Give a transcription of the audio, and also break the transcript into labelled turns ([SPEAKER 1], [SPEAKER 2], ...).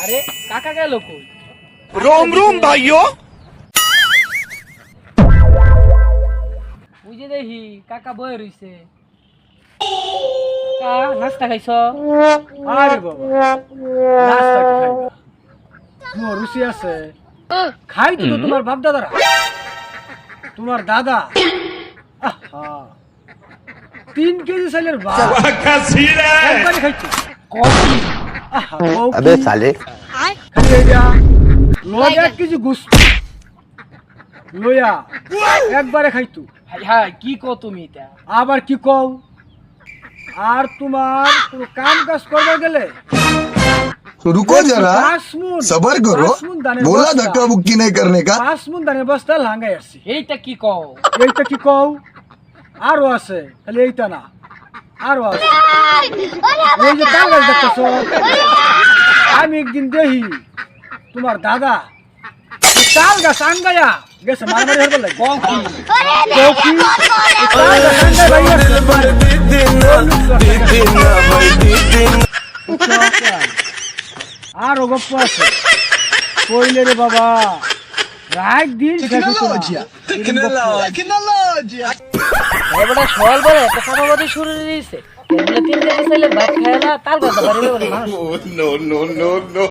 [SPEAKER 1] আরে কাকা গেল কই?
[SPEAKER 2] रोम रोम भाइयों।
[SPEAKER 1] ওই যে দেখি কাকা বয়ে রইছে। কা নাস্তা খাইছ?
[SPEAKER 3] আরে বাবা নাস্তা কি খাইবা? তোমার রুচি আছে খাই তো তোমার বাপ দাদারা তোমার দাদা আহা 3 কেজি চালের ভাত একবারে খাইছো
[SPEAKER 1] কফি।
[SPEAKER 3] আহা
[SPEAKER 4] अबे साले
[SPEAKER 3] খালি এইটা লয়া 1 কেজি গোস্ত লয়া একবারে খাইতো
[SPEAKER 1] হাই হাই কি কো তুমি এটা?
[SPEAKER 3] আবার কি কও আর তোমার কোনো কাম কাজ করবে গেলে
[SPEAKER 5] तो रुको जरा
[SPEAKER 3] 5 মুন
[SPEAKER 5] सबर करो
[SPEAKER 3] 5 মুন দানের
[SPEAKER 5] बोला
[SPEAKER 3] বস্তা,
[SPEAKER 5] धक्का मुक्की नहीं करने का
[SPEAKER 3] 5 মুন দানের বস্তা লাঙ্গাই আসছি
[SPEAKER 1] এইটা কি কও?
[SPEAKER 3] এইটা কি কও আরো আছে খালি এইটা না আরো আছে এই যে তাল গাছ দেখতেছো আমি একদিন দেখি তোমার দাদা এই তাল গাছ আঙ্গায়া গেছে মারামারি হবার লাগে
[SPEAKER 1] কফি।
[SPEAKER 3] কফি এই তাল গাছ আঙ্গায় বাইরে আরো গপ্প আছে কইলে রে বাবা রাত দিন শেষ হতো না।
[SPEAKER 1] এবারে সকাল বেলা একটা সাদাবাদি শুরু দিয়েছে। এগুলো 3 কেজি চাইলে ভাত খায় না তাল গাছ বাড়ি মানুষ।
[SPEAKER 2] No no no no.